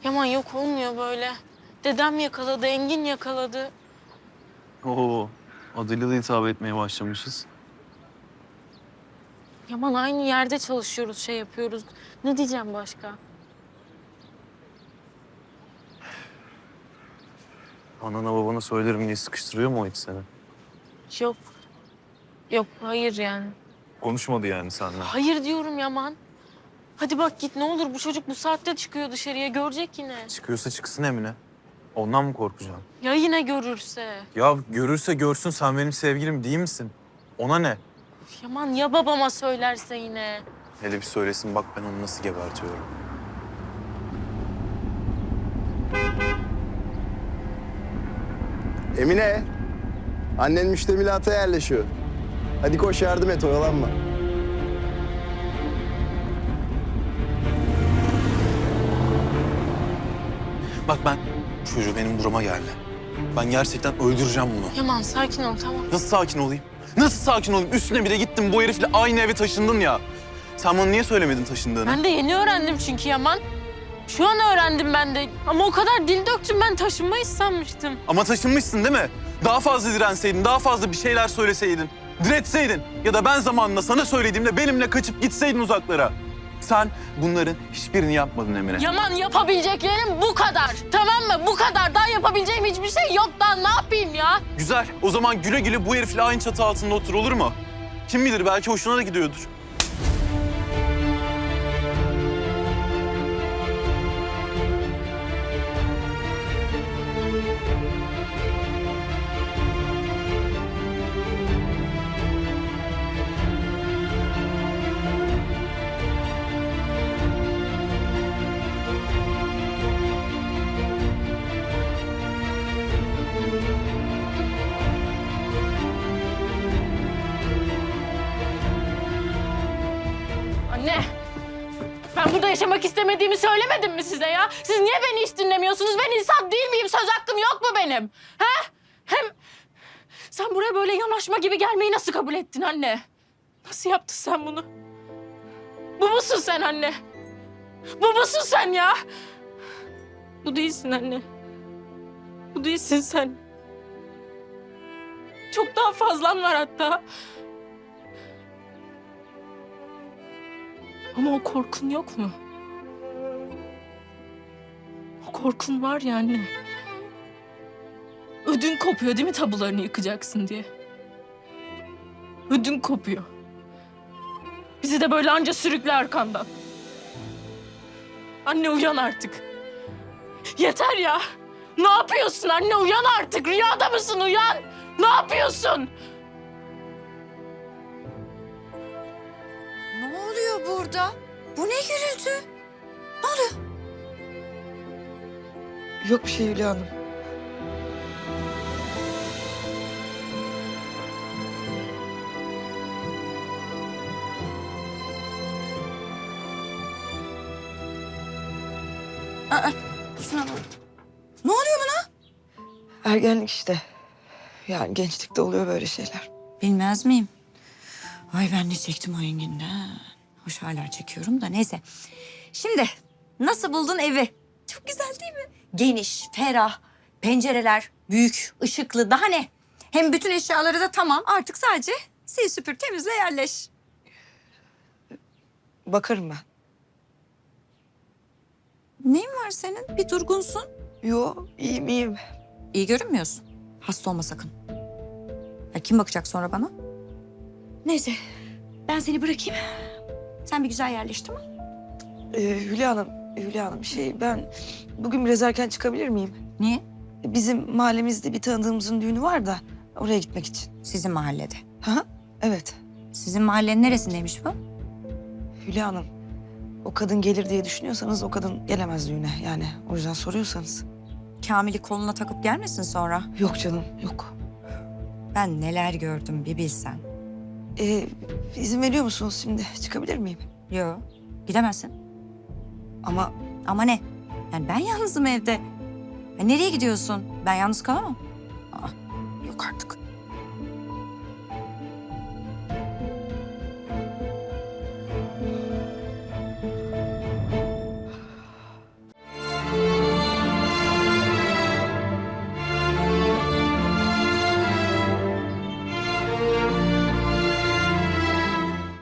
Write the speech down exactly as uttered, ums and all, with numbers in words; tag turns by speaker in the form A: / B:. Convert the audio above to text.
A: Yaman yok olmuyor böyle. Dedem yakaladı, Engin yakaladı.
B: Oo, adıyla da hitap etmeye başlamışız.
A: Yaman aynı yerde çalışıyoruz, şey yapıyoruz. Ne diyeceğim başka?
B: Anana babana söylerim diye sıkıştırıyor mu o hiç seni?
A: Yok. Yok, hayır yani.
B: Konuşmadı yani seninle.
A: Hayır diyorum Yaman. Hadi bak git ne olur, bu çocuk bu saatte çıkıyor dışarıya, görecek yine.
B: Çıkıyorsa çıksın Emine. Ondan mı korkacaksın?
A: Ya yine görürse?
B: Ya görürse görsün, sen benim sevgilim değil misin? Ona ne?
A: Üf, Yaman ya babama söylerse yine?
B: Hele bir söylesin, bak ben onu nasıl gebertiyorum.
C: Emine, annen müştemilata yerleşiyor. Hadi koş yardım et, oyalanma.
B: Bak ben, çocuğu benim burama geldi. Ben gerçekten öldüreceğim bunu.
A: Yaman sakin ol, tamam.
B: Nasıl sakin olayım? Nasıl sakin olayım? Üstüne bir de gittin bu herifle aynı eve taşındın ya. Sen bana niye söylemedin taşındığını?
A: Ben de yeni öğrendim çünkü Yaman. Şu an öğrendim ben de. Ama o kadar dil döktüm, ben taşınmayı sanmıştım.
B: Ama taşınmışsın değil mi? Daha fazla direnseydin, daha fazla bir şeyler söyleseydin. Diretseydin. Ya da ben zamanında sana söylediğimde benimle kaçıp gitseydin uzaklara. Sen bunların hiçbirini yapmadın Emine.
A: Yaman yapabileceklerim bu kadar. Tamam mı? Bu kadar. Daha yapabileceğim hiçbir şey yok. Daha ne yapayım ya?
B: Güzel. O zaman güle güle bu herifle aynı çatı altında otur, olur mu? Kim bilir, belki hoşuna da gidiyordur.
A: Anne. Ben burada yaşamak istemediğimi söylemedim mi size ya? Siz niye beni hiç dinlemiyorsunuz? Ben insan değil miyim? Söz hakkım yok mu benim? He? Hem sen buraya böyle yanaşma gibi gelmeyi nasıl kabul ettin anne? Nasıl yaptın sen bunu? Bu musun sen anne? Bu musun sen ya? Bu değilsin anne. Bu değilsin sen. Çok daha fazlan var hatta. Ama o korkun yok mu? O korkun var ya anne. Ödün kopuyor değil mi tabularını yıkacaksın diye? Ödün kopuyor. Bizi de böyle anca sürükle arkandan. Anne uyan artık. Yeter ya. Ne yapıyorsun anne? Uyan artık. Rüyada mısın? Uyan. Ne yapıyorsun?
D: Ne oluyor burada? Bu ne gürültü? Ne oluyor?
E: Yok bir şey Hülya Hanım.
D: Aa, şuna bak. Ne oluyor buna?
E: Ergenlik işte. Yani gençlikte oluyor böyle şeyler.
D: Bilmez miyim? Ay ben de çektim o Engin'den. Hoş hala çekiyorum da neyse. Şimdi nasıl buldun evi? Çok güzel değil mi? Geniş, ferah, pencereler büyük, ışıklı. Daha ne? Hem bütün eşyaları da tamam. Artık sadece sil süpür temizle yerleş.
E: Bakarım ben.
D: Neyin var senin? Bir durgunsun.
E: Yo iyiyim iyiyim.
D: İyi görünmüyorsun. Hasta olma sakın. Ya kim bakacak sonra bana? Neyse ben seni bırakayım. Sen bir güzel yerleş tamam.
E: Ee, Hülya Hanım, Hülya Hanım şey ben bugün biraz erken çıkabilir miyim?
D: Niye?
E: Bizim mahallemizde bir tanıdığımızın düğünü var da oraya gitmek için.
D: Sizin mahallede.
E: Ha? Evet.
D: Sizin mahallenin neresindeymiş bu?
E: Hülya Hanım, o kadın gelir diye düşünüyorsanız o kadın gelemez düğüne. Yani o yüzden soruyorsanız.
D: Kamil'i koluna takıp gelmesin sonra.
E: Yok canım, yok.
D: Ben neler gördüm bir bilsen.
E: Ee, izin veriyor musunuz şimdi? Çıkabilir miyim?
D: Yo gidemezsin.
E: Ama
D: Ama ne? Yani ben yalnızım evde. Ya nereye gidiyorsun? Ben yalnız kalamam. Aa, yok artık.